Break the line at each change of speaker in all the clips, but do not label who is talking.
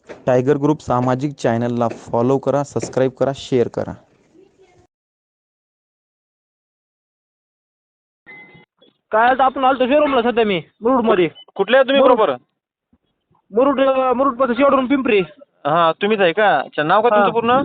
Tiger group सामाजिक चॅनलला follow करा, सबस्क्राईब करा, शेअर करा.
काय आता आपण आलतो शोरूमला सध्या मी मुरुडमध्ये.
कुठले आहे तुम्ही
मुरुड
बरोबर?
मुरुड मुरुडपासून शेवटून पिंपरी.
हां, तुम्हीच आहे का? अच्छा, नाव काय
हां.
तुमचं पूर्ण?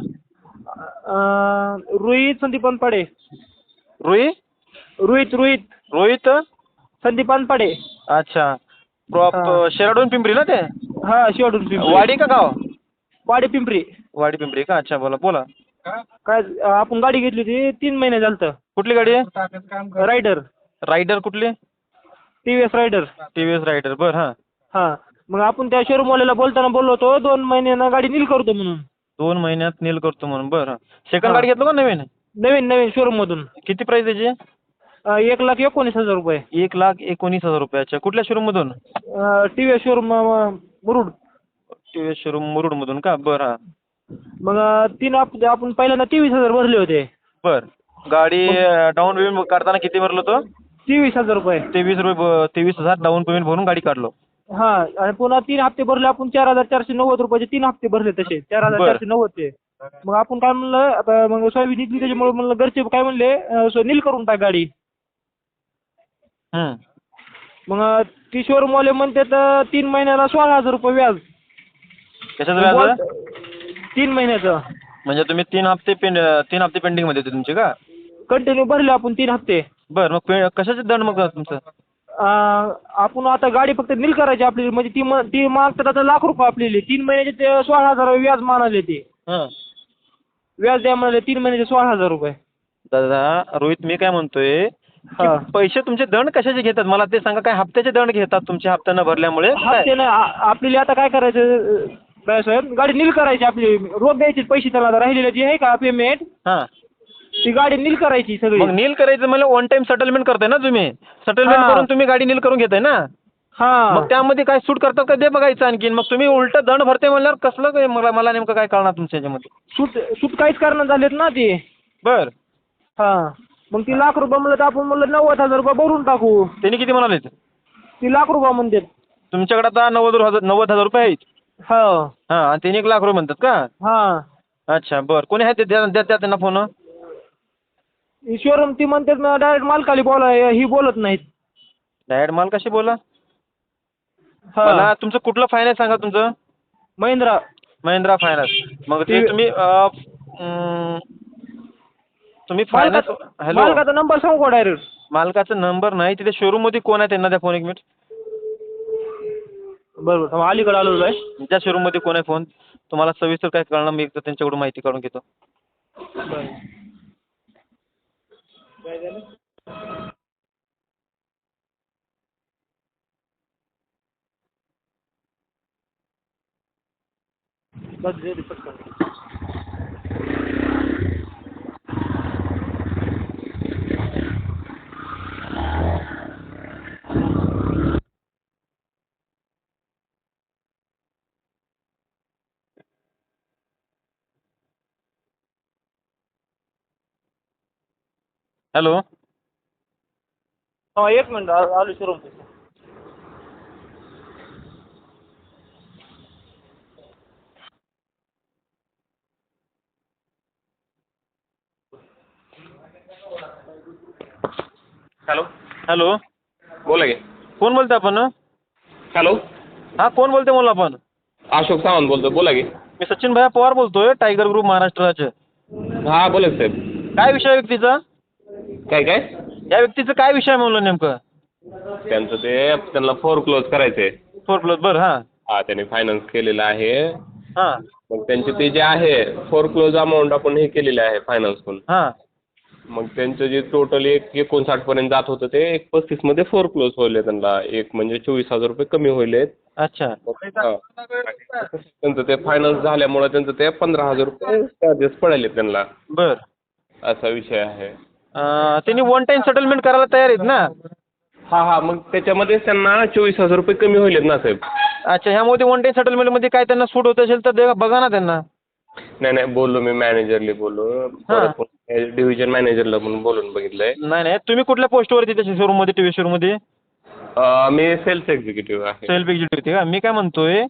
रोहित संदीप अनपाडे.
रोहित
रोहित
रोहित
संदीप अनपाडे.
अच्छा. प्रॉप
हां.
शेराडून पिंपरी ना ते?
हां, शेवटून पिंपरी.
वाडी का गाव?
वाडी पिंपरी.
वाडी पिंपरी का? अच्छा, बोला बोला.
काय आपण गाडी घेतली होती 3 महिने झालं.
कुठली गाडी आहे?
रायडर.
रायडर कुठली?
TVS rider.
TVS rider. बरं, हां.
हां. मग आपण त्या शोरूमवाल्याला बोलताना बोललो होतो 2 महिन्यानं गाडी नील करतो म्हणून.
2 महिन्यात नील करतो म्हणून. बरं. सेकंड
हां.
गाडी घेतलं का नवीन?
नवीन शोरूममधून.
किती प्राईस त्याची?
1,19,000 रुपये.
₹1,19,000. कुठल्या शोरूममधून?
TVS showroom Murud.
TVS showroom मुरुडमधून का? बरं, हां.
मग 3 हप्ते आपण पहिल्यांदा 23,000 भरले होते.
बरं. गाडी डाऊन पेमेंट काढताना किती भरलं होतं?
23,000 रुपये.
23,000 डाऊन पेमेंट भरून गाडी काढलो.
हां. आणि पुन्हा 3 हप्ते भरले आपण 4,490 रुपयाचे 3 हप्ते भरले तसे 4,490 चे. मग आपण काय म्हणलं आता मग सोयाबीन निघली त्याच्यामुळे म्हणलं घरचे काय म्हणले नील करून टाक गाडी.
हं.
मग ती शोरूमवाले म्हणतात 3 महिन्याला 16,000 रुपये व्याज.
कशाचं व्याज?
3 महिन्याचं.
म्हणजे तुम्ही 3 हप्ते पेंडिंगमध्ये होते तुमचे का?
कंटिन्यू भरले आपण 3 हप्ते.
बरं, मग कशाचे दंड मग तुमचं?
आपण आता गाडी फक्त नील करायची आपली म्हणजे ती मागतात आता लाख रुपये आपल्याला 3 महिन्याचे ते 16,000 व्याज म्हणाले ते.
हां.
व्याज द्या म्हणाले 3 महिन्याचे 16,000 रुपये.
दादा रोहित, मी काय म्हणतोय की
हां.
पैसे तुमचे दंड कशाचे घेतात मला ते सांगा. काय हप्त्याचे दंड घेतात तुमचे हप्ता न भरल्यामुळे?
हप्ते नाही आपल्याला आता काय करायचं साहेब गाडी नील करायची आपली रोज द्यायचे पैसे त्याला आता राहिलेलं जे आहे का पेमेंट
हां.
ती गाडी नील करायची सगळी.
मग नील करायचं म्हणजे वन टाइम सेटलमेंट करताय ना तुम्ही? सेटलमेंट
हां.
करून तुम्ही गाडी नील करून घेताय ना?
हां.
मग त्यामध्ये काय सूट करतात का ते बघायचं आणखीन. मग तुम्ही उलट दंड भरते म्हणल्यावर कसलं काय मला नेमकं काय कळणार तुमच्या ह्याच्यामध्ये?
सूट काहीच करणं झालेत ना ते.
बरं.
हां. मग ती लाख रुपये म्हणलं तर आपण म्हणलं 90,000 रुपये भरून टाकू.
त्यांनी किती म्हणाले?
ती लाख रुपये म्हणतात.
तुमच्याकडे आता 90,000 रुपये आहेत.
हो.
हां, आणि त्यांनी 1,00,000 रुपये म्हणतात का?
हां.
अच्छा, बरं. कोणी आहे ते द्या त्यांना फोन.
शोरूम ती म्हणतात ना डायरेक्ट मालकाली ही बोलत नाहीत.
डायरेक्ट माल कशी बोला?
हां.
मला तुमचं कुठलं फायनान्स सांगा तुमचं?
महिंद्रा
फायनान्स. मग ते
ते-
तुम्ही फायनान्स. हॅलो,
मालकाचा नंबर सांगू का डायरेक्ट?
मालकाचा नंबर नाही. तिथे शोरूम मध्ये कोण आहे त्यांना द्या फोन. 1 मिनिट.
बरोबर अलीकडे आलो आहे.
त्या शोरूम मध्ये कोण आहे फोन? तुम्हाला सविस्तर काय कळणार मी एकदा त्यांच्याकडून माहिती काढून घेतो.
काय झालं? बस दे पटकन.
हॅलो.
हा 1 मिनिट आलो शोरूम.
हॅलो.
हॅलो,
बोला की.
कोण बोलते आपण?
हॅलो.
हां, कोण बोलते मला आपण?
अशोक सावंत बोलतो. बोला की.
मी सचिन भैया पवार बोलतोय, टायगर ग्रुप महाराष्ट्राचे.
हा बोला की साहेब.
काय विषय आहे व्यक्तीचा?
काय
या व्यक्तीचं काय विषय आहे म्हणलं नेमकं?
त्यांचं ते त्यांना क्लोज करायचे.
4+. बरं. हां.
हा त्यांनी फायनान्स केलेला आहे.
हां.
मग त्यांचे ते जे आहे क्लोज अमाऊंट आपण हे केलेले आहे फायनान्स करून.
हां.
मग त्यांचं जे टोटल 59 पर्यंत जात होतं ते 35 मध्ये क्लोज होईल त्यांना. म्हणजे 24,000 रुपये कमी होईल.
अच्छा.
त्यांचं ते फायनान्स झाल्यामुळे त्यांचं ते 15,000 रुपये चार्जेस पडायले त्यांना.
बरं.
असा विषय आहे.
त्यांनी वन टाइम सेटलमेंट करायला तयार आहेत ना?
हा मग त्याच्यामध्ये त्यांना 24,000 रुपये कमी होईल ना साहेब.
अच्छा, ह्यामध्ये वन टाइम सेटलमेंटमध्ये काय त्यांना सूट होत असेल तर बघा ना त्यांना.
नाही बोललो मी मॅनेजरला बोललो. डिव्हिजन मॅनेजरला म्हणून बोलून बघितलंय.
नाही, तुम्ही कुठल्या पोस्टवरती त्याच्या शोरूममध्ये TVS शोरूममध्ये?
मी सेल्स एक्झिक्युटिव्ह आहे.
सेल्फ एक्झिक्युटिव्ह का? मी काय म्हणतोय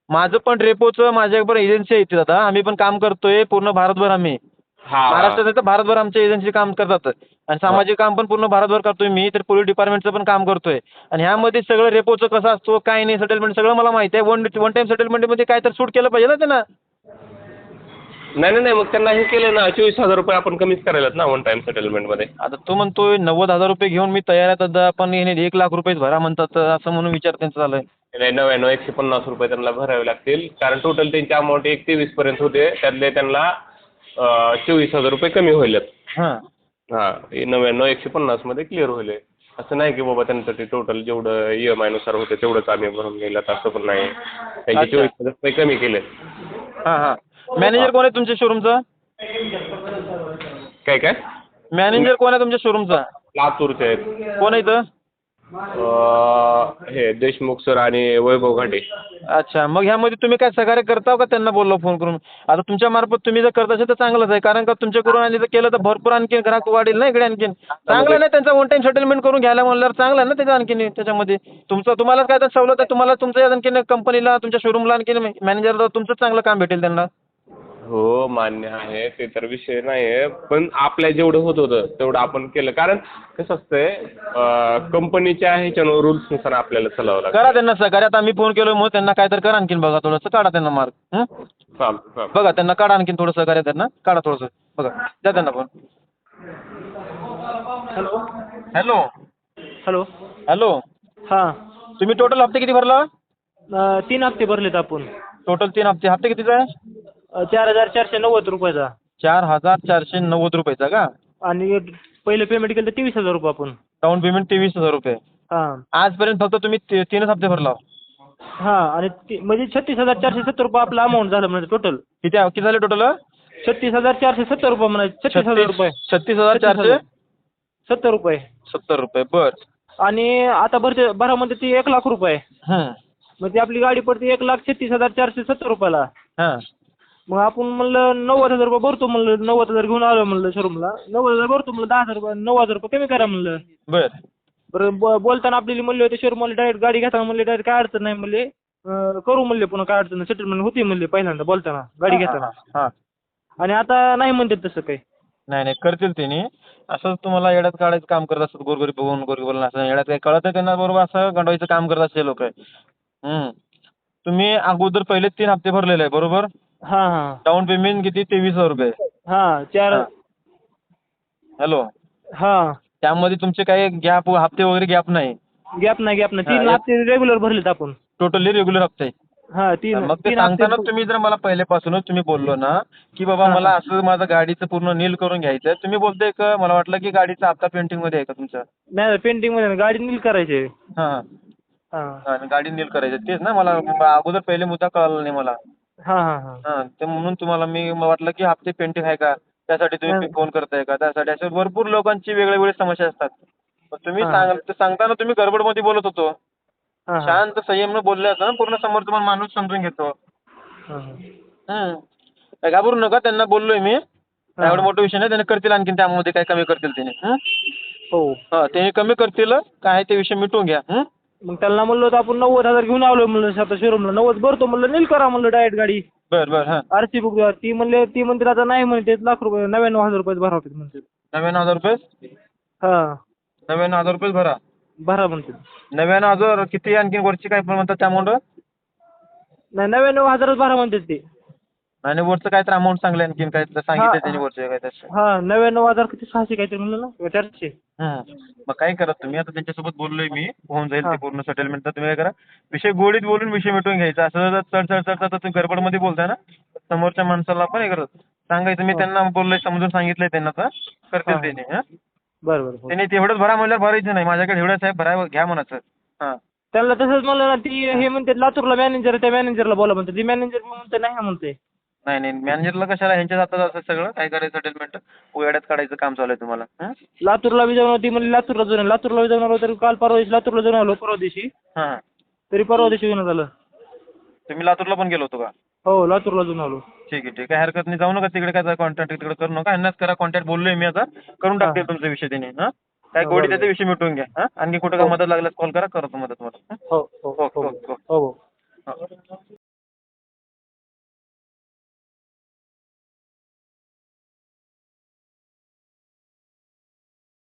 माझं पण रेपोचं माझ्याकडे एजन्सी आहे इथे दादा. आम्ही पण काम करतोय पूर्ण भारतभर. आम्ही
हा
महाराष्ट्रात नाही तर भारतभर आमच्या एजन्सी काम करतात. आणि सामाजिक काम पण पूर्ण भारतभर करतोय मी. तर पोलीस डिपार्टमेंटचं पण काम करतोय. आणि ह्यामध्ये सगळं रेपोचं कसं असतो काय नाही सेटलमेंट सगळं मला माहिती आहे. वन टाइम सेटलमेंटमध्ये काय तर सूट केलं पाहिजे ना त्यांना.
नाही मग त्यांना हे केलं ना 24,000 रुपये आपण कमीच करायलात ना वन टाइम सेटलमेंटमध्ये.
आता तो म्हणतोय 90,000 रुपये घेऊन मी तयार आहे दादा, पण हे 1,00,000 रुपयेच भरा म्हणतात असं म्हणून विचार त्यांचा चालू आहे.
नाही 99,150 रुपये त्यांना भरावे लागतील कारण टोटल त्यांची अमाऊंट 1,23,000 होते त्यातले त्यांना 24,000 रुपये कमी होईल.
हां
99,150 मध्ये क्लिअर होईल. असं नाही की बाबा त्यांचं ते टोटल जेवढं EMI नुसार होते तेवढंच आम्ही भरून गेलं असं पण नाही. त्यांचे 24,000 रुपये कमी केले.
हां मॅनेजर कोण आहे तुमच्या शोरूमचा?
काय
मॅनेजर कोण आहे तुमच्या शोरूमचा?
लातूरचे आहेत.
कोण आहे इथं?
हे देशमुख सर आणि वैभव घाटे.
अच्छा, मग ह्यामध्ये तुम्ही काय सहकार्य करता का त्यांना बोललो फोन करून? आता तुमच्या मार्फत तुम्ही जर करत असेल तर चांगलंच आहे, कारण का तुमच्याकडून आणि जर केलं तर भरपूर आणखी ग्राहक वाढेल ना इकडे आणखीन. चांगलं नाही त्यांचा वन टाइम सेटलमेंट करून घ्यायला म्हणल्यावर चांगलं आहे ना त्याचं आणखीन त्याच्यामध्ये. तुम्हाला काय तर सवलत आहे, तुम्हाला तुमच्या आणखीन कंपनीला तुमच्या शोरूमला आणखीन मॅनेजरला तुमचं चांगलं काम भेटेल त्यांना.
हो मान्य आहे ते तर विषय नाही आहे, पण आपल्या जेवढं होत होतं तेवढं आपण केलं. कारण कसं असतंय कंपनीच्या ह्याच्यानं रूल्सनुसार आपल्याला चालावं लागतं.
करा त्यांना सहकार्य. आता आम्ही फोन केलो मग त्यांना काय तर करा आणखीन बघा थोडंसं काढा त्यांना मार्क.
चालतं
बघा त्यांना काढा आणखीन थोडं सहकार्य त्यांना काढा थोडंसं बघा द्या त्यांना phone.
Hello
hello
hello
hello
हां
तुम्ही टोटल हप्ते किती भरला?
3 हप्ते भरलेत आपण.
टोटल 3 हप्ते. हप्ते कितीचा आहे?
4,490 रुपयाचा.
4,490 रुपयाचा का?
आणि पहिलं पेमेंट केलं तर 23,000 रुपये आपण.
डाऊन पेमेंट 23,000 रुपये.
हां
आजपर्यंत फक्त तुम्ही 3च हप्ते भरला.
हां आणि म्हणजे 36,470 रुपये आपलं अमाऊंट झालं म्हणजे टोटल.
किती झाले टोटल?
36,470 रुपये म्हणायचे. 36,000 रुपये.
36,470
रुपये.
70 रुपये बर.
आणि आता भरामध्ये ती 1,00,000 रुपये. मग ती आपली गाडी पडते 1,36,470 रुपयाला.
हां
मग आपण म्हणलं 90,000 रुपये भरतो म्हणलं. 90,000 घेऊन आलो म्हणलं शोरूमला. 90,000 भरतो म्हणलं. 10,000 रुपये 9,000 रुपये कमी करा म्हणलं.
बर.
बरं बोलताना आपल्याला म्हणले होते शोरूमला डायरेक्ट गाडी घेताना म्हणले डायरेक्ट काय अडचण नाही म्हणले. करू म्हणले पुन्हा काय अडचण नाही. सेटलमेंट होती म्हणले पहिल्यांदा बोलताना गाडी घेताना.
हां
आणि आता नाही म्हणतात तसं काही.
नाही करतील त्यांनी. असंच तुम्हाला येड्यात काढायचं काम करत असतात गोरगरीब बघून गोरगरीबाला. असं येड्यात काही कळत नाही त्यांना बरोबर असं गंडवायचं काम करत असते लोक. तुम्ही अगोदर पहिले 3 हप्ते भरलेले आहे बरोबर?
हां
डाऊन पेमेंट किती? 23,000 रुपये.
हां 4.
हॅलो
हां
त्यामध्ये तुमचे काही गॅप हप्ते वगैरे गॅप नाही?
गॅप नाही 3 हप्ते रेग्युलर भरलेत आपण.
टोटली रेग्युलर हप्ते.
हां 3.
मग ते सांगताना तुम्ही जर मला पहिल्यापासूनच तुम्ही बोललो ना की बाबा मला असं माझं गाडीचं पूर्ण नील करून घ्यायचं आहे. तुम्ही बोलताय का मला वाटलं की गाडीचा हप्ता पेंटिंगमध्ये आहे का तुमचा?
नाही पेंटिंगमध्ये गाडी नील करायची.
हां
हां
गाडी नील करायची तेच ना. मला अगोदर पहिले मुद्दा कळाला नाही मला.
हां
ते म्हणून तुम्हाला मी वाटलं की हप्ते पेंटिंग आहे का त्यासाठी तुम्ही फोन करताय का त्यासाठी. अशा भरपूर लोकांची वेगवेगळी समस्या असतात. तुम्ही सांगताना तुम्ही गडबडमध्ये बोलत होतो. शांत संयमनं बोलले असं ना पूर्ण समोरचा पण माणूस समजून घेतो. काय घाबरू नका. त्यांना बोललोय मी एवढं मोठं विषय नाही. त्यांनी करतील आणखीन त्यामध्ये काय कमी करतील त्यांनी.
हो
त्यांनी कमी करतील काय ते विषय मिटवून घ्या.
मग त्याला म्हणलं होतं आपण 90,000 घेऊन आलो म्हणलं आता शोरूमला. 90 भरतो म्हणलं नील करा म्हणलं डायरेक्ट गाडी.
बर
RC बुक. ती म्हणते आता नाही म्हणते ₹1,00,000 रुपये 99,000 रुपये भरा होते म्हणते.
99,000 रुपये?
हां
99,000 रुपये
भरा म्हणते.
99,000 किती आणखी वरची काय पण म्हणतात त्या अमाऊंट?
नाही 99,000च भरा म्हणते ते.
आणि वरचं काय तर अमाऊंट सांगलं आणखीन काय सांगितलं त्यांनी वरचे काय तसं?
हां 99,000 किती 600 काहीतरी म्हणलं ना 400.
मग काय करा तुम्ही आता त्यांच्यासोबत बोललोय मी होऊन जाईल ते पूर्ण सेटलमेंट. तर तुम्ही काय करा विषय गोडीत बोलून विषय मिटवून घ्यायचा. असं चढ तुम्ही गडबडमध्ये बोलताय ना समोरच्या माणसाला पण हे करत सांगायचं. मी त्यांना बोललोय समजून सांगितलंय त्यांना तर करतील त्यांनी.
बरं
त्यांनी तेवढंच भरा म्हणल्यावर भरायचं नाही. माझ्याकडे एवढंच आहे भरा घ्या म्हणायचं.
त्याला तसंच म्हणलं ना. ती हे म्हणते लातूरला मॅनेजर त्या मॅनेजरला बोला म्हणते. ती मॅनेजर म्हणते नाही म्हणते.
नाही मॅनेजरला कशाला ह्यांच्या हातात असं सगळं काय करायचं सेटलमेंट वेड्यात काढायचं काम चालू आहे तुम्हाला.
लातूरला बी जाऊन होती म्हणजे लातूरला बी जाऊन आलो. तरी काल परवा दिवशी लातूरला जाऊन आलो. परवा दिवशी तरी परवा दिवशी घेऊन आलं.
तुम्ही लातूरला पण गेलो होतो का?
हो लातूरला जाऊन आलो.
ठीक आहे काय हरकत नाही. जाऊ नका तिकडे काय कॉन्टॅक्ट तिकडे करू नका. ह्यांनाच करा कॉन्टॅक्ट. बोललोय मी आता करून टाकतील तुमचा विषय त्यांनी. काय गोडी त्याचा विषय मिटवून घ्या. आणखी कुठं काय मदत लागल्यास कॉल करा करतो मदत मला.
हो.